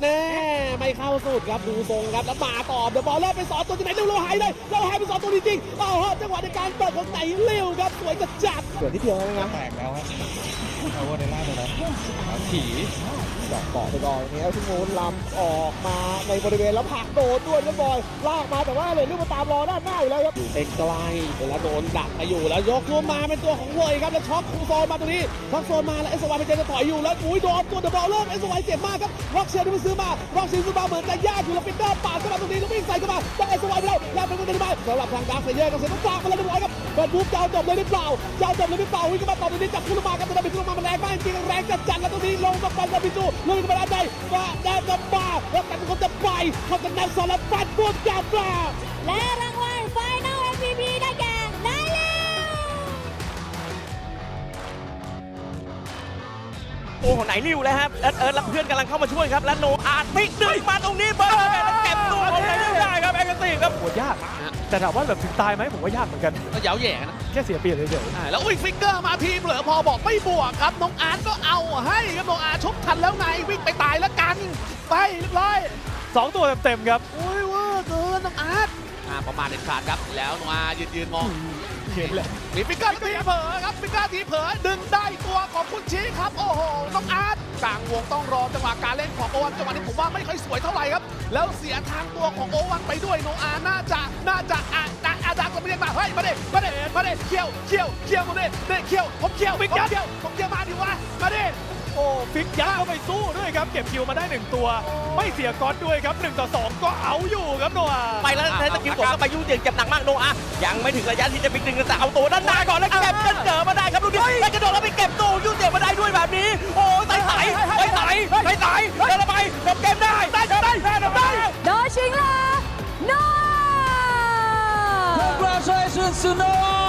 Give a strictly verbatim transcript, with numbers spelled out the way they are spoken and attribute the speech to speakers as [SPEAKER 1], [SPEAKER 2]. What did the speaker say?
[SPEAKER 1] แน่ไม่เข้าสุดครับดูทรงครับแล้วมาต่อเดอะบอลเริ่มไปสอนตัวที่ไหนเร็วเราหายเลยเราหายไปสอนตัวจริงๆเอาฮะจังหวะในการเปิดของไต่เร็วครับสวยจัดจัดเกิดที่เดียวแล้วนะ
[SPEAKER 2] แตกแล้วครับเอาว่าในล่างเลยนะผี
[SPEAKER 1] ดอกเกาะไปก่อนนี้แล้วที่งูลำออกมาในบริเวณแล้วผลักโดนด้วยแล้วบอยลากมาแต่ว่าเลยลูกมาตามรอด้านหน้าอยู่แล้วครับอยู่ใกล้ๆแล้วโดนดักไปอยู่แล้วยกตัวมาเป็นตัวของเวยครับแล้วช็อคคูโซนมาตรงนี้ช็อคโซนมาแล้วเอสวายเป็นเจจะถอยอยู่แล้วอุ้ยโดนตัวเดอะบอลเริ่มเอสวายเจ็บมากครับร็อกเชียร์ที่มันซื้อมาร็อกเชียร์ซื้อมาเหมือนจะยากอยู่แล้วปิดด้าปาดเข้ามาตรงนี้แล้ววิ่งใส่เข้ามาต้องเอสวายไปแล้วแล้วเป็นคนเดินมาสำหรับทางดาร์คเซเยอร์กับเซนต์ฝากมาแล้วเรียบร้อยครับเปิดบู๊เจ้าจบเลยหรือเปล่าเจ้าจบเลยหรือเปล่าวิ่งเข้ามาต่อตรงนี้จับคู่ลงมาครับแต่บิดลงมามันแรงมากจริงแรงจัดจัดแล้วตรงนี้ลงมาปันกับบิจูลงมาด้านในว่าแดนจะมาแล้วกันคนจะไปเขาจะนำสารพัดบุกจับมา
[SPEAKER 3] และรางวัล Final เอ็ม วี พี ได้แก่นายเลี้ยว
[SPEAKER 4] โอ้โหไหนริวแล้วครับเอิร์ธเอิร์ธและเพื่อนกำลังเข้ามาช่วยครับและโนอาร์ติกดึงมาตรงนี้เบิร์ดแล้วเก็บตัวเอาไหนริวได้ครับแองเกติครับ
[SPEAKER 5] โหยากแต่ถามว่าแบบถึงตายไหมผมว่ายากเหมือนกัน
[SPEAKER 1] ก็เย้าแย่นะ
[SPEAKER 5] แค่เสียเปรียบเฉย
[SPEAKER 1] อ่าแล้วอุ้ยฟิกเกอร์มาทีเผลอพอบอกไม่บวกครับน้องอาร์ตก็เอาให้ครับน้องอาร์ตชกทันแล้วไงวิ่งไปตายแล้วกันไปเรียบร้อย
[SPEAKER 5] ๆสองตัวเต็มๆครับ
[SPEAKER 1] โอ้ยเว่าเกินน้องอาร์ตอ่าประมาณเด็ดขาดครับแล้วน้องอาร์ตยืนยืนมอง
[SPEAKER 5] เห็นแหละ
[SPEAKER 1] มีฟิกเกอร์ทีเผลอครับฟิกเกอร์ทีเผลอดึงได้ตัวของคุณชี้ครับโอ้โหน้องอาร์ตกลางวงต้องรอจังหวะการเล่นของโอวันจังหวะนี้ผมว่าไม่ค่อยสวยเท่าไหร่ครับแล้วเสียทางตัวของโอวันไปด้วยน้องอาร์ตน่าจะน่าจะอ่ะอ่ะอาดักก็ไม่เรียกมาเฮ้ยมาเด็มาเด็มาเด็เคี้ยวเคี้ยวเคี้ยวมาเด็เด็เคี้ยวผมเคี้ยวผมเคี้ยวผมเคี้ยวมาดิวะมาเด็
[SPEAKER 5] โอ้ฟิกยัดเข้าไปสู้ด้วยครับเก็บคิวมาได้หนึ่งตัว ไม่เสียก๊อตด้วยครับหนึ่งต่อสองก็เอาอยู่ครับโนอา
[SPEAKER 4] ไปแล้วใช้สกิลกดเข้าไปยุ่งเหยิงเจ็บหนักมากโนอาร์ยังไม่ถึงระยะที่จะบิ๊กดึงแต่เอาตัวด้านหน้าก่อนแล้วเก็บจนเจอมาได้ครับลูกนี้แล้วกระโดดแล้วไปเก็บตัวยุ่งเหยิงมาได้ด้วยแบบนี้โอ้ยไต่ไต่ไต่ไต่ไต่ไต่เดินไปจบเกมได้ได้ได้ได้ได้
[SPEAKER 3] โดชิงลาโน
[SPEAKER 6] Congratulations to Noah!